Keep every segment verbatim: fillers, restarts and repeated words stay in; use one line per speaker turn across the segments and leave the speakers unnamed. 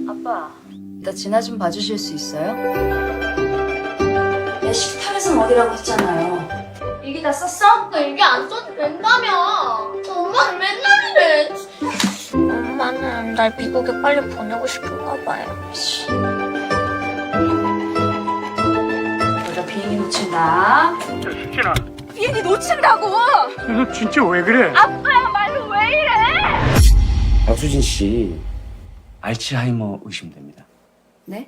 아빠, 이따 진아 좀 봐주실 수 있어요? 내 식탁에선 어디라고 했잖아요. 일기 다 썼어?
나 일기 안 써도 된다며. 엄마는 맨날 이래. 엄마는 날 미국에 빨리 보내고 싶은가 봐요.
여자 비행기 놓친다.
야, 수진아,
비행기 놓친다고!
너 진짜 왜 그래?
아빠야말로 왜 이래!
박수진 씨 알츠하이머 의심됩니다.
네?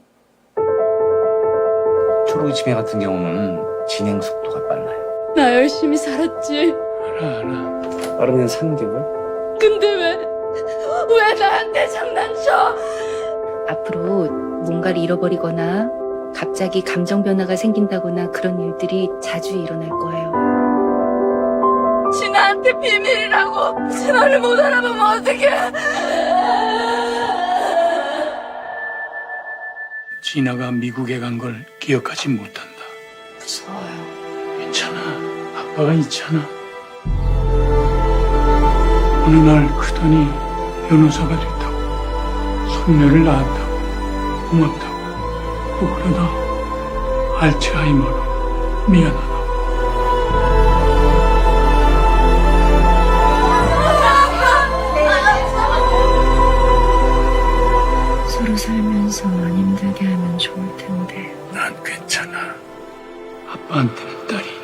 초록이 치매 같은 경우는 진행 속도가 빨라요.
나 열심히 살았지.
알아, 알아.
빠르면 삼 개월?
근데 왜, 왜 나한테 장난쳐?
앞으로 뭔가를 잃어버리거나 갑자기 감정 변화가 생긴다거나 그런 일들이 자주 일어날 거예요.
진아한테 비밀이라고. 진아를 못 알아보면 어떡해.
진아가 미국에 간 걸 기억하지 못한다.
무서워요.
괜찮아. 아빠가 있잖아. 어느 날 크더니 변호사가 됐다고. 손녀를 낳았다고. 고맙다고. 또 그러다 알츠하이머로 미안하다고.
서로 살면서 안 힘들게 하면 좋을 텐데.
난 괜찮아. 아빠한테는 딸이